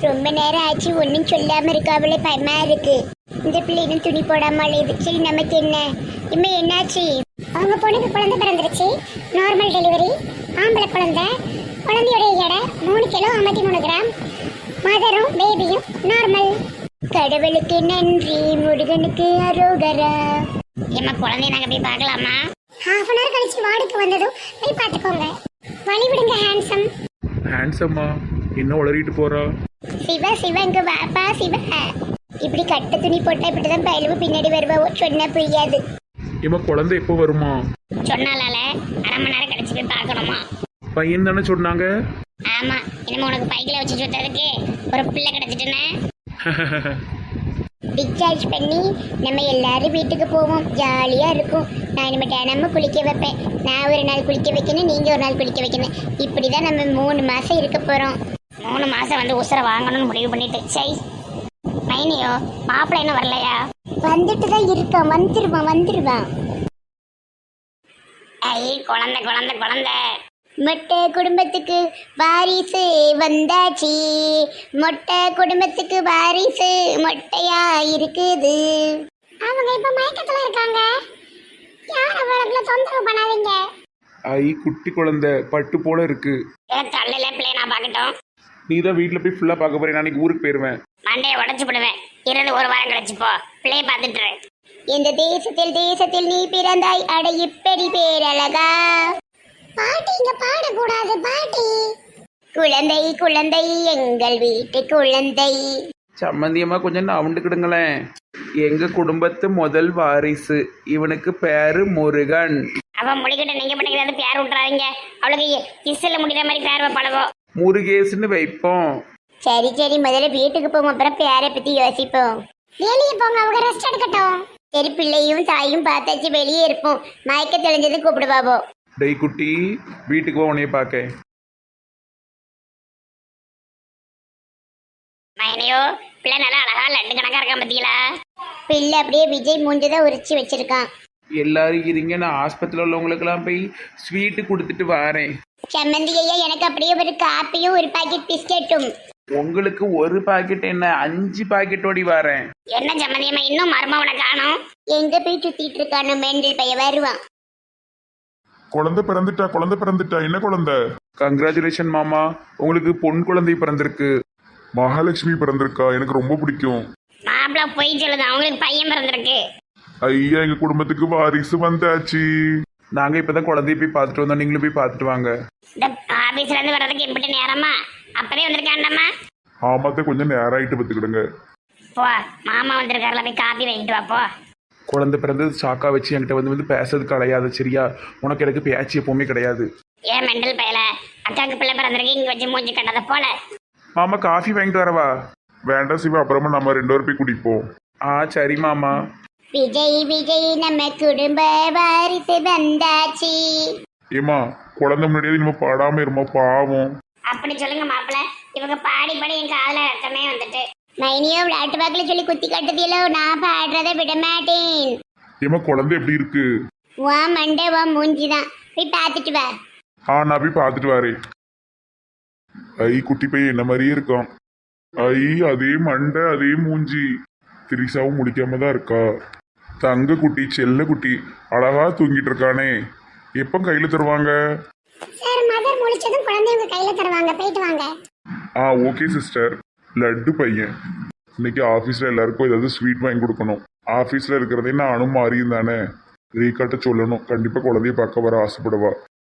ரொம்ப நேரம் ஆச்சு ஒன்றும் சொல்லாம இருக்காவளே பயமா இருக்கு. இந்த பிள்ளை இன்னும் துணி போடாம அழையுது. சரி நமக்கு என்ன இம்மே என்னாச்சு? அவங்க பொண்ணுக்கு குழந்தை பிறந்துருச்சு. Normal delivery. ஆம்பளை குழந்தை. குழந்தையோட எடை 3 கிலோ 53 கிராம். மதரும் பேபியும் நார்மல். கடவுளுக்கு நன்றி, முருகனுக்கு அரோகரா. ஏமா குழந்தைய நாங்க போய் பார்க்கலாமா? ஹாஃப் அன் ஹவர் கழிச்சு வார்டுக்கு வந்ததும் போய் பார்த்துக்கோங்க. வழி விடுங்க ஹேண்ட்ஸம். ஹேண்ட்ஸம்மா என்ன உளறிட்டு போறா? சிவா சிவா இங்க வாப்பா சிவா. இப்படி கட்ட துணி போட்டா இப்படிதான் பயிலுவு பின்னாடி வருவா. சொன்னா புரியாது. ஏமா குழந்தை எப்போ வருமா? சொன்னாலால அரை மணி நேரம் கழிச்சு போய் பார்க்கணுமா? பையன் தானே சொன்னாங்க. ஆமா, இனிமே உனக்கு பைக்கில் வச்சு சுத்ததுக்கு ஒரு பிள்ளை கிடைச்சிட்டுனே டிஸ்சார்ஜ் பண்ணி நம்ம எல்லாரும் வீட்டுக்கு போவோம். ஜாலியா இருக்கும். நான் இனிமேல் தினமும் குளிக்க வைப்பேன். நான் ஒரு நாள் குளிக்க வைக்கணும், நீங்க ஒரு நாள் குளிக்க வைக்கணும். இப்படிதான் நம்ம 3 மாசம் இருக்க போறோம். 3 மாசம் வந்து உசுரை வாங்கணும்னு முடிவு பண்ணிட்டு. சரி மைனியோ மாப்பிள்ளை என்ன வரலையா? வந்துட்டு தான் இருக்கான். வந்துருவான். ஐ குழந்தை குழந்தை குழந்தை. மொட்டை குடும்பத்துக்கு வாரிசு வந்தாச்சு. மொட்டை குடும்பத்துக்கு வாரிசு மொட்டையா இருக்குது. அவங்க இப்ப மயக்கத்துல இருக்காங்க. யார் அவங்கள தொந்தரவு பண்ணாதீங்க. ஐ குட்டி குழந்தை பட்டு போல இருக்கு. தள்ளில பிள்ளை நான் பார்க்கட்டும். நீ தான் வீட்டில் போய் ஃபுல்லாக பார்க்க போறேன். நாளைக்கு ஊருக்கு போயிடுவேன். மண்டையை உடச்சு விடுவேன். இருந்து ஒரு வாரம் கழிச்சு போ. பிள்ளைய பார்த்துட்டு இந்த தேசத்தில் நீ பிறந்தாய். அட இப்படி பேரழகா. பாட்டி இங்க பாடக்கூடாது பாட்டி. குழந்தை குழந்தை எங்கள் வீட்டு குழந்தை. சம்மந்தியமா கொஞ்சம் நவுண்டுக்கிடுங்களேன். எங்க குடும்பத்து முதல் வாரிசு. இவனுக்கு பேரு முருகன். அவன் முடிக்கிட்ட நீங்க பண்ணிக்கிறது பேர் விட்டுறாதீங்க. அவளுக்கு கிஸ்ல முடிக்கிற மாதிரி பேர் வைப்பாளவோ. முருகேசுன்னு வைப்போம். சரி முதல்ல வீட்டுக்கு போவோம், அப்புறம் பேரை பத்தி யோசிப்போம். வெளியே போங்க, அவங்க ரெஸ்ட் எடுக்கட்டும். சரி பிள்ளையும் தாயும் பார்த்தாச்சு, வெளியே இருப்போம். மயக்க தெளிஞ்சது கூப்பிடுவாவோ. டெய் குட்டி வீட்டுக்கு போ, உன்னைய பார்க்க. மைனியோ பிள்ளை நல்லா அழகா லட்டு கணக்கா இருக்கான் பத்திங்களா? பிள்ளை அப்படியே விஜய் மூஞ்சதான் உரிச்சு வச்சிருக்கான். எல்லாரும் இருங்க, நான் ஆஸ்பத்திரியில் உள்ளவங்களுக்கெல்லாம் போய் ஸ்வீட்டு கொடுத்துட்டு வரேன். சம்மந்தி ஐயா எனக்கு அப்படியே ஒரு காப்பியும் ஒரு பாக்கெட் பிஸ்கெட்டும். உங்களுக்கு ஒரு பாக்கெட் என்ன 5 பாக்கெட்டோடி வரேன். என்ன சம்மந்தியம்மா இன்னும் மர்மவனை காணோம்? எங்க போய் சுத்திட்டு இருக்கானு மெண்டல் பைய வருவான். குழந்தை பிறந்துட்டா. என்ன குழந்தை? கங்க்ராச்சுலேஷன் மாமா, உங்களுக்கு பொன் குழந்தை பிறந்திருக்கு. மகாலட்சுமி பிறந்திருக்கா. எனக்கு ரொம்ப பிடிக்கும். மாப்பிள்ள போய் சொல்லுது, அவங்களுக்கு பையன் பிறந்திருக்கு. ஐயா எங்க குடும்பத்துக்கு வாரிசு வந்தாச்சு. நாங்க இப்பதான் குழந்தைய போய் பார்த்துட்டு வந்தோம். நீங்களும் போய் பார்த்துட்டு வாங்க. இந்த ஆபீஸ்ல இருந்து வர்றதுக்கு எப்படி நேரமா? அப்பவே வந்திருக்காண்டம்மா. ஆமாத்த கொஞ்சம் நேரம் ஆயிட்டு பத்துக்கிடுங்க. போ, மாமா வந்திருக்காருல, போய் காப்பி வாங்கிட்டு வா போ. குழந்தை பிறந்தது சாக்கா வச்சு என்கிட்ட வந்து பேசுறதுக்கு கிடையாது சரியா? உனக்கு எனக்கு பேச்சு எப்பவுமே கிடையாது. ஏன் மெண்டல் பையல, அக்காவுக்கு பிள்ளை பிறந்திருக்கு இங்க வச்சு மூஞ்சி கட்டத போல. மாமா காஃபி வாங்கிட்டு வரவா? வேண்டாம் சிவா, அப்புறமா நம்ம 2 பேரும் போய் குடிப்போம். சரி மாமா. விஜய் நம்ம குடும்ப வாரிசு வந்தாச்சு. ஏமா குழந்தை முன்னாடியே நம்ம பாடாம இருமா, பாவம். அப்படி சொல்லுங்க மாப்பிள்ள. இவங்க பாடி என் காதுல ரத்தமே வந்துட்டு. மைனியோ விளையாட்டு வாக்குல சொல்லி குத்தி கட்டுதியலோ, நான் பாடுறதை விட மாட்டேன். ஏமா குழந்தை எப்படி இருக்கு? வா மண்டே வா மூஞ்சிதான், போய் பார்த்துட்டு வா. நான் போய் பார்த்துட்டு வரேன். ஐ குட்டி பையன் என்ன மாதிரியே இருக்கான். ஐ அதே மண்டை அதே மூஞ்சி. திரிசாவும் முடிக்காம தான் இருக்கா. தங்க குட்டி செல்ல குட்டி அழகா தூங்கிட்டு இருக்கானே. எப்போ கையில தருவாங்க? சார் மதர் முழிச்சதும் குழந்தை உங்க கையில தருவாங்க, போயிட்டு வாங்க. Okay sister. லட்டு பையன் இன்னைக்கு ஆஃபீஸில் எல்லாருக்கும் ஏதாவது ஸ்வீட் வாங்கி கொடுக்கணும். ஆஃபீஸில் இருக்கிறதே நானும் மாறியும் தானே. ரீகாட்ட சொல்லணும், கண்டிப்பாக குழந்தைய பார்க்க வர ஆசைப்படுவா.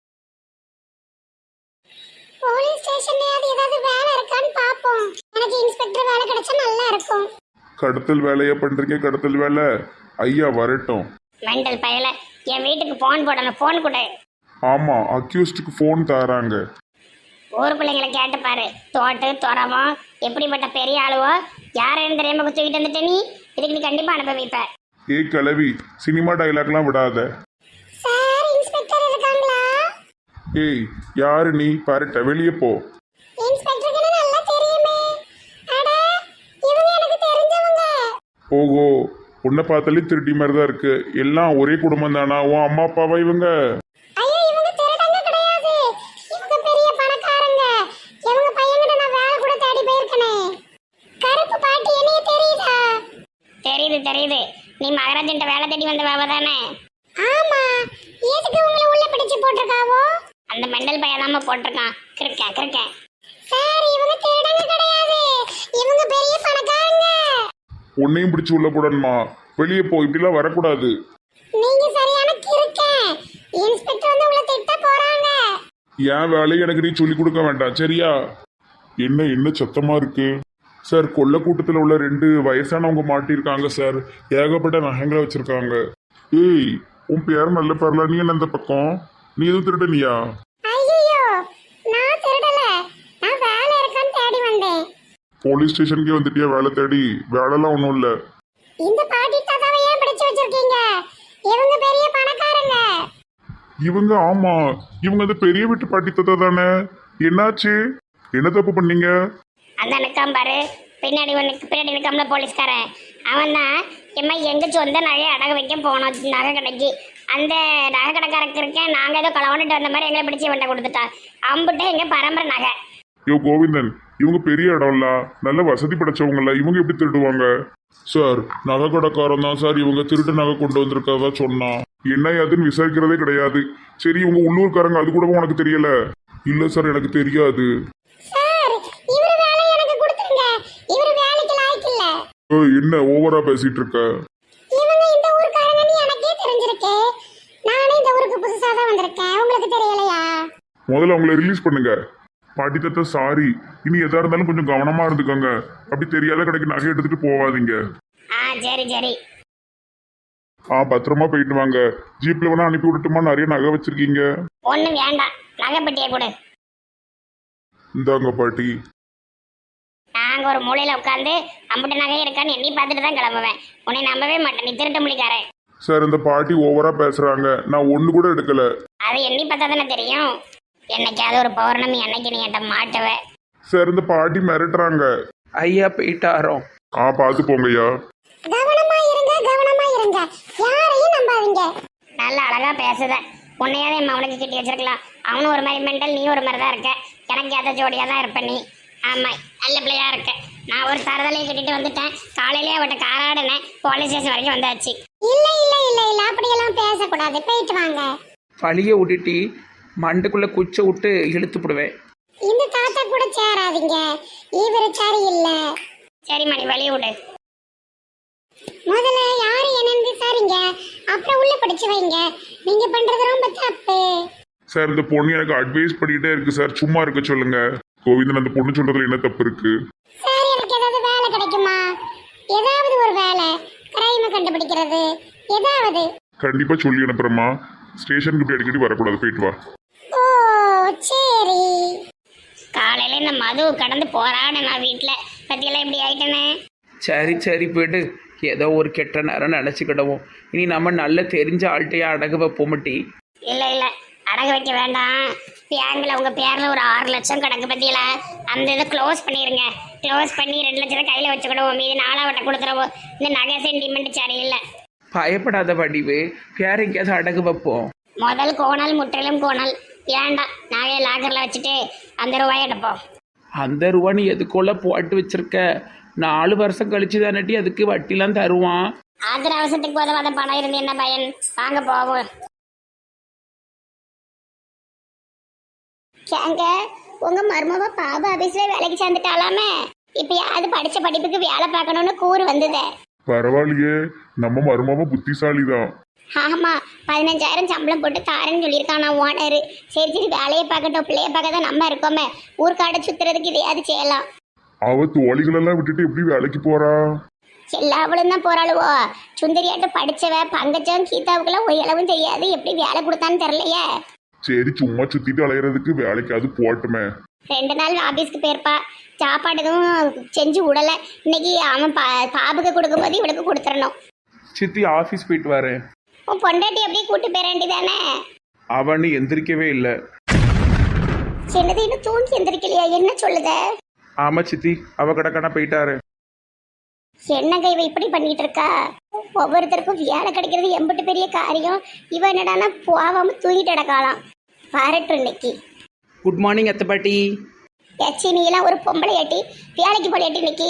போலீஸ் ஸ்டேஷன்ல ஏதாவது வேலை இருக்கான்னு பாப்போம். எனக்கு இன்ஸ்பெக்டர் வேலை கிடைச்சா நல்லா இருக்கும். கடத்தல் வேலையா பண்றீங்க? கடத்தல் வேலை ஐயா வரட்டும். மெண்டல் பயல, என் வீட்டுக்கு போன் போடணும். போன் கொடு. ஆமா, அக்யூஸ்டுக்கு ஃபோன் தராங்க. ஊர் பிள்ளைங்களை கேட்டு பாரு. தோட்டு துறவோ எப்படிப்பட்ட பெரிய ஆளுவோ யாரும் தெரியாம தூக்கிட்டு வந்துட்டு நீ இதுக்கு நீ கண்டிப்பா அனுப்ப வைப்ப. ஏய் கிளவி, சினிமா டைலாக்லாம் விடாத. சார் இன்ஸ்பெக்டர் இருக்காங்களா? ஏய் யாரு நீ? பாருட்ட வெளியே போ. இன்ஸ்பெக்டருக்கு நல்லா தெரியுமே. அட இவங்க எனக்கு தெரிஞ்சவங்க. ஓஹோ, உன்னை பார்த்தாலே திருடி மாதிரி தான் இருக்கு. எல்லாம் ஒரே குடும்பம் தானா? உன் அம்மா அப்பாவா இவங்க? ஐயோ இவங்க திருடங்க கிடையாது. இவங்க பெரிய பணக்காரங்க. இவங்க பையன்கிட்ட நான் வேலை கூட தேடி போயிருக்கனே. ராஜன்ட்ட வேலை தேடி வந்த வேலை தானே? ஆமா, எதுக்கு உங்களை உள்ள பிடிச்சு போட்டிருக்காவோ? அந்த மெண்டல் பையன் தாம போட்டிருக்கான். கிறுக்க சார், இவங்க திருடங்க கிடையாது, இவங்க பெரிய பணக்காரங்க. உன்னையும் பிடிச்சி உள்ள போடணுமா? வெளியே போ, இப்படிலாம் வரக்கூடாது. நீங்க சரியான கிறுக்க. இன்ஸ்பெக்டர் வந்து உங்களை திட்ட போறாங்க. என் வேலையை எனக்கு நீ சொல்லி கொடுக்க வேண்டாம், சரியா? என்ன சத்தமா இருக்கு சார்? கொள்ள கூட்டத்தில் உள்ள 2 வயசானவங்க மாட்டியிருக்காங்க சார். ஏகப்பட்ட நகைங்களை வச்சிருக்காங்க. ஏய், உன் பேர் நல்ல பேர்ல, நீ என்ன இந்த பக்கம்? நீ எதுவும் திருடனியா? ஐயோ, நான் திருடல, நான் வேலை இருக்கான்னு தேடி வந்தேன். போலீஸ் ஸ்டேஷனுக்கே வந்துட்டியா வேலை தேடி? வேலைலாம் ஒன்றும் இல்லை. இந்த பாட்டி தாத்தாவை ஏன் பிடிச்சு வச்சிருக்கீங்க? இவங்க பெரிய பணக்காரங்க. இவங்க ஆமா, இவங்க அந்த பெரிய வீட்டு பாட்டி தத்தா தானே? என்னாச்சு? என்ன தப்பு பண்ணீங்க? அந்த நிற்காம பாரு, பின்னாடி நிற்காமல போலீஸ்காரன். அவன் தான் எம்மா எங்க சொந்த நகையை அடகு வைக்க போனோம் நகை கடைக்கு. அந்த நகை கடைக்காரருக்கு இருக்கேன், நாங்கள் ஏதோ களவாண்டுட்டு வந்த மாதிரி எங்களை பிடிச்சி வண்ட கொடுத்துட்டா. அம்புட்டு எங்கள் பரம்பரை நகை. யோ கோவிந்தன், இவங்க பெரிய இடம்ல, நல்ல வசதி படைச்சவங்கள, இவங்க எப்படி திருடுவாங்க? சார், நகை கடைக்காரன் தான் சார் இவங்க திருட்டு நகை கொண்டு வந்திருக்கதா சொன்னா. என்ன ஏதுன்னு விசாரிக்கிறதே கிடையாது. சரி, இவங்க உள்ளூர்காரங்க, அது கூட உனக்கு தெரியல? இல்ல சார், எனக்கு தெரியாது. சார், இவர் வேலை எனக்கு கொடுத்துருங்க. இவர் வேலைக்கு லாய்க்கு இல்ல. என்ன ஓவரா பேசிட்டு இருக்க? இவங்க இந்த ஊர்க்காரங்கன்னு எனக்கே தெரிஞ்சிருக்கு. நானே இந்த ஊருக்கு புதுசா தான் வந்திருக்கேன், உங்களுக்கு தெரியலையா? முதல்ல அவங்கள ரிலீஸ் பண்ணுங்க. பாட்டி தத்த சாரி, இனி எதா இருந்தாலும் கொஞ்சம் கவனமா இருந்துக்கோங்க. அப்படி தெரியாத கடைக்கு நகை எடுத்துட்டு போவாதீங்க. சரி. பத்திரமா போயிட்டு வாங்க. ஜீப்ல வேணா அனுப்பி விட்டுட்டுமா? நிறைய நகை வச்சிருக்கீங்க. ஒன்றும் வேண்டாம், நகைப்பட்டியை கொடு. இந்தாங்க பாட்டி. நாங்கள் ஒரு மூலையில் உட்காந்து அம்புட்டு நகை இருக்கான்னு எண்ணி பார்த்துட்டு தான் கிளம்புவேன். உன்னை நம்பவே மாட்டேன், நீ திருட்டு முடிக்காரன். சார், இந்த பாட்டி ஓவரா பேசுறாங்க. நான் ஒண்ணு கூட எடுக்கல. அதை எண்ணி பார்த்தா தானே தெரியும். என்னைக்காவது ஒரு பௌர்ணமி அன்னைக்கு நீ என்கிட்ட மாட்டுவேன். சார், இந்த பாட்டி மிரட்டுறாங்க. ஐயா போயிட்டாரோ? பார்த்து போங்கய்யா. கவனமா இருங்க, கவனமா இருங்க. யாரையும் நம்பாதீங்க. நல்ல அழகா பேசுத. உன்னையாவது என் அவனுக்கு கிட்டி வச்சிருக்கலாம். அவனும் ஒரு மாதிரி மெண்டல், நீ ஒரு மாதிரி தான் இருக்க. எனக்கு ஏற்ற ஜோடியாக தான் இருப்ப நீ. ஆமாம், நல்ல பிள்ளையா இருக்க. நான் ஒரு தரதலையை கட்டிட்டு வந்துட்டேன். காலையிலேயே அவட்ட காராடினேன், போலீஸ் ஸ்டேஷன் வரைக்கும் வந்தாச்சு. இல்ல இல்ல இல்ல இல்ல, அப்படியெல்லாம் பேசக்கூடாது. போயிட்டு வாங்க. பழிய விட்டுட்டி மண்டுக்குள்ள குச்சை விட்டு இழுத்து போடுவேன். இந்த தாத்தா கூட சேராதீங்க, இவரு சரி இல்ல. சரி மணி, வழி விடு. முதல்ல யாரு என்னன்னு விசாரிங்க, அப்புறம் உள்ள பிடிச்சு வைங்க. நீங்க பண்றது ரொம்ப தப்பு. சார், இந்த பொண்ணு எனக்கு அட்வைஸ் பண்ணிட்டே இருக்கு சார், சும்மா இருக்க சொல்லுங்க. கோவிந்தன், அந்த பொண்ணு சொல்றதுல என்ன தப்பு இருக்கு? சார், எனக்கு ஏதாவது வேலை கிடைக்குமா? ஏதாவது ஒரு வேலை, கிரைமை கண்டுபிடிக்கிறது ஏதாவது. கண்டிப்பா சொல்லி அனுப்புறேம்மா. ஸ்டேஷனுக்கு இப்படி அடிக்கடி வரக்கூடாது, போயிட்டு வா. ஓ சரி. காலையில இந்த மது கடந்து போறான்னு நான் வீட்டில் பத்தியெல்லாம் இப்படி ஆயிட்டேனே. சரி போயிட்டு ஏதோ ஒரு கெட்ட நேரம் நினச்சிக்கிடுவோம். இனி நம்ம நல்ல தெரிஞ்ச ஆள்கிட்டையே அடகு வைப்போமட்டி. இல்லை அடகு வைக்க வேண்டாம். பேங்கில் உங்கள் பேரில் ஒரு 6 லட்சம் கணக்கு பற்றியில அந்த இதை க்ளோஸ் பண்ணிடுங்க. க்ளோஸ் பண்ணி 2 லட்சத்தை கையில் வச்சுக்கிடுவோம். மீது 4ஆவட்ட கொடுத்துருவோம். இந்த நகை சென்டிமெண்ட் சரியில்லை. பயப்படாத வடிவு, வேற எங்கேயாவது அடகு வைப்போம். முதல் கோணல் முற்றிலும் கோணல் வேண்டாம். நகையை லாக்கரில் வச்சுட்டு அந்த ரூபாயை எடுப்போம். அந்த ரூபா நீ எதுக்குள்ள போட்டு வச்சிருக்க? 4 வருஷம் கழிச்சு தானட்டி அதுக்கு வட்டிலாம் தருவான். ஆத்திர அவசரத்துக்கு போதவாத பணம் இருந்து என்ன பயன்? வாங்க போவோம். ஏங்க, உங்க மருமவ பாபா ஆபீஸ்ல வேலைக்கு சேர்ந்துட்டாலாமே. இப்ப யாரு படிச்ச படிப்புக்கு வேலை பார்க்கணும்னு கூறு வந்ததே. பரவாயில்லையே, நம்ம மருமாவ புத்திசாலி தான். ஆமா, 15,000 சம்பளம் போட்டு தாரேன்னு சொல்லியிருக்கானா ஓனரு. சரி வேலையை பார்க்கட்டும், பிள்ளைய பார்க்க தான் நம்ம இருக்கோமே. ஊர்க்காடை சுத்துறதுக்கு இதையாவது செய்யலாம். அவ தோழிகளெல்லாம் விட்டுட்டு எப்படி வேலைக்கு போறா? எல்லாவளும் தான் போறாளுவோ. சுந்தரியாட்ட படிச்சவ பங்கஜம் கீதாவுக்குலாம் ஒரு அளவும் தெரியாது. எப்படி வேலை கொடுத்தான்னு தெரியலையே. சரி, சும்மா சுத்திட்டு அலையிறதுக்கு வேலைக்கு அது போட்டுமே. 2 நாள் ஆபீஸ்க்கு போயிருப்பா. சாப்பாடு எதுவும் செஞ்சு விடல. இன்னைக்கு அவன் பாபுக்கு கொடுக்கும்போது இவளுக்கு கொடுத்துடணும். சித்தி ஆஃபீஸ் போயிட்டு வரேன். உன் பொண்டாட்டி அப்படியே கூட்டு போயிட வேண்டியதானே. அவனு எந்திரிக்கவே இல்லை. என்னது, இன்னும் தூங்கி எந்திரிக்கலையா? என்ன சொல்லுத? ஆமா சித்தி, அவ கடக்கான போயிட்டாரு. என்னங்க இவ இப்படி பண்ணிட்டு இருக்கா? ஒவ்வொருத்தருக்கும் வேலை கிடைக்கிறது எம்பிட்டு பெரிய காரியம். இவ என்னடானா போவாம தூங்கிட்டு கிடக்கலாம். வரட்டும் இன்னைக்கு. குட் மார்னிங் அத்தை பாட்டி. ஏச்சி, நீ எல்லாம் ஒரு பொம்பளை ஏட்டி வேலைக்கு போலையாட்டி இன்னைக்கு?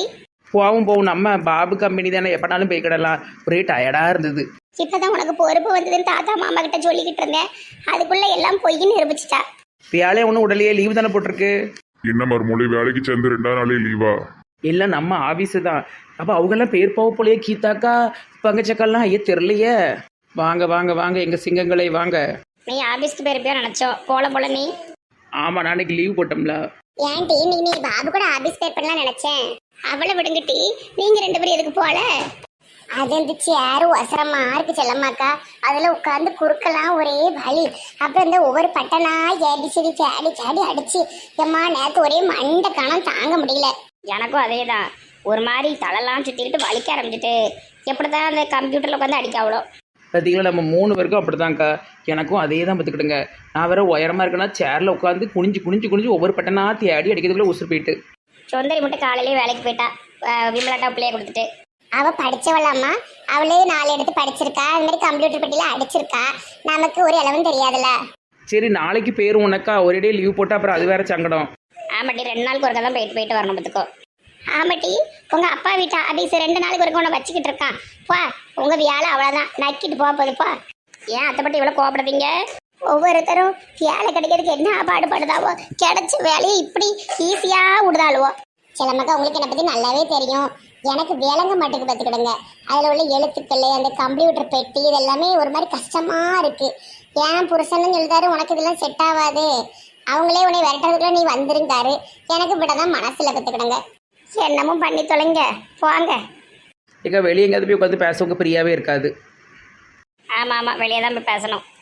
போவும் நம்ம பாபு கம்பெனி தானே எப்போனாலும் போய்க்கிடலாம். ஒரே டயர்டாக இருந்தது. இப்பதான் உனக்கு பொறுப்பு வந்ததுன்னு தாத்தா மாமா கிட்ட சொல்லிக்கிட்டு இருந்தேன். அதுக்குள்ள எல்லாம் பொய்ன்னு நிரூபிச்சிட்டா. வேலையை ஒன்றும் உடலையே லீவு தானே போட்டிருக்கு. என்ன மறுமொழி வேலைக்கு சேர்ந்து 2ஆம் நாளே லீவா? இல்லை நம்ம ஆஃபீஸு தான். அப்போ அவங்கெல்லாம் பேர் போக போலையே. கீதாக்கா பங்கச்சக்கெல்லாம் ஐயா தெரிலையே. வாங்க வாங்க வாங்க எங்கள் சிங்கங்களை வாங்க. நீ ஆபீஸ்க்கு போயிருப்பியோ நினைச்சோம். போல நீ. ஆமாம் நான் அன்னைக்கு லீவ் போட்டோம்ல. ஏன்டி நீ பாபு கூட ஆபீஸ் பேர் பண்ணலாம் நினைச்சேன். அவளை விடுங்கட்டி. நீங்க 2 பேரும் எதுக்கு போல? அது இந்த சேரு ஒசரமா இருக்கு செல்லம்மாக்கா. அதுல உட்காந்து குறுக்கலாம் ஒரே வலி. அப்புறம் இந்த ஒவ்வொரு பட்டனா ஏடி சரி சேடி சேடி அடிச்சு எம்மா நேரத்து ஒரே மண்டை கணம் தாங்க முடியல. எனக்கும் அதே தான். ஒரு மாதிரி தலைலாம் சுற்றிக்கிட்டு வலிக்க ஆரம்பிச்சிட்டு எப்படி தான் அந்த கம்ப்யூட்டரில் உட்காந்து அடிக்க அவ்வளோ. பார்த்தீங்களா நம்ம 3 பேருக்கும் அப்படி தான்க்கா. எனக்கும் அதே தான் பார்த்துக்கிடுங்க. நான் வேறு உயரமாக இருக்கேன்னா சேரில் உட்காந்து குனிஞ்சு ஒவ்வொரு பட்டனா தேடி அடிக்கிறதுக்குள்ளே உசுறு போயிட்டு. சுந்தரி மட்டும் காலையிலேயே வேலைக்கு போயிட்டா. விமலாட்டா பிள்ளைய கொடுத்துட்டு. அவ படிச்சவளாம்மா. அவளே 4 எடுத்து படிச்சிருக்கா. அது மாதிரி கம்ப்யூட்டர் பெட்டியில அடிச்சிருக்கா. நமக்கு ஒரு அளவும் தெரியாதுல்ல. சரி நாளைக்கு பேரும் உனக்கா ஒரே லீவ் போட்டு அப்புறம் அது வேற சங்கடம். ஆமாட்டி 2 நாளுக்கு ஒருக்கா தான் போயிட்டு வரணும் பார்த்துக்கோ. ஆமாட்டி உங்க அப்பா வீட்டு ஆபீஸ் 2 நாளுக்கு ஒருக்கா உன்னை வச்சுக்கிட்டு இருக்கான். பா உங்க வேலை அவ்வளோதான். நக்கிட்டு போதுப்பா. ஏன் அத்தைப்பட்டி இவ்வளோ கோபப்படுறீங்க? ஒவ்வொருத்தரும் வேலை கிடைக்கிறதுக்கு என்ன பாடுபடுதாவோ. கிடைச்ச வேலையை இப்படி ஈஸியா விடுதாளுவோ. சிலமக்கா உங்களுக்கு என்னை பத்தி நல்லாவே தெரியும். எனக்கு வேலைங்க மாட்டுக்கு பார்த்துக்கிடுங்க. அதில் உள்ள எழுத்துக்கள் அந்த கம்ப்யூட்டர் பெட்டி இதெல்லாமே ஒரு மாதிரி கஷ்டமா இருக்கு. ஏன் புருஷன்னு சொல்லிட்டாரு உனக்கு இதெல்லாம் செட் ஆகாது, அவங்களே உன்னை விரட்டுறதுக்குள்ள நீ வந்துருந்தாரு. எனக்கு இப்படிதான் மனசுல பார்த்துக்கிடுங்க. என்னமும் பண்ணி தொலைங்க போங்க. இங்கே வெளியே எங்கேயாவது போய் உட்காந்து பேசவங்க ஃப்ரீயாகவே இருக்காது. ஆமாம் வெளியே தான் போய் பேசணும்.